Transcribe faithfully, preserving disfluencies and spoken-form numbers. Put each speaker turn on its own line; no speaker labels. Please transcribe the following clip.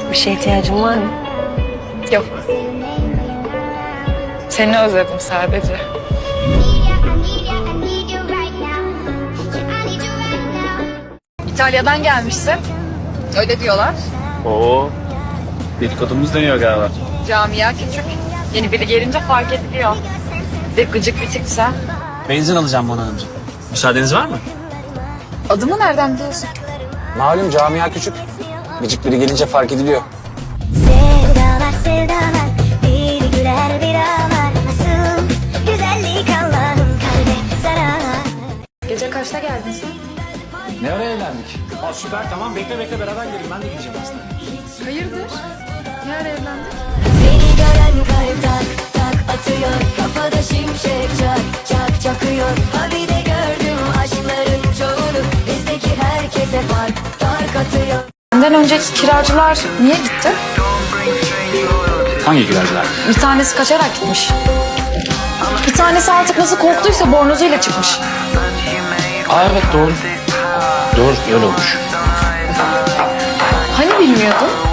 Bir şeye ihtiyacın var mı?
Yok. Seni özledim sadece. İtalya'dan gelmişsin. Öyle diyorlar.
Oo, dedikodumuz dönüyor galiba.
Camia küçük. Yeni biri gelince fark ediliyor. Bir de gıcık bir tipse.
Benzin alacağım bana önce. Müsaadeniz var mı?
Adımı nereden biliyorsun?
Malum camia küçük. Gıcık biri gelince fark ediliyor.
Sevdalar sevdalar bir güler bir ağlar nasıl güzellik Allah'ın kalbe zarar.
Gece kaçta geldin sen?
Ne ara evlendik? Aa, süper tamam bekle bekle beraber gidelim. Ben de gideceğim aslında.
Hayırdır? Ne ara evlendik?
Seni gören kalp tak tak atıyor kafada şimşek çak çak çakıyor. Ha bir de gördüm aşkların çoğunu bizdeki herkese fark fark atıyor.
Benden önceki kiracılar niye gitti?
Hangi kiracılar?
Bir tanesi kaçarak gitmiş. Bir tanesi artık nasıl korktuysa bornozuyla çıkmış.
Aa evet doğru. Doğru öyle olmuş.
Hani bilmiyordun?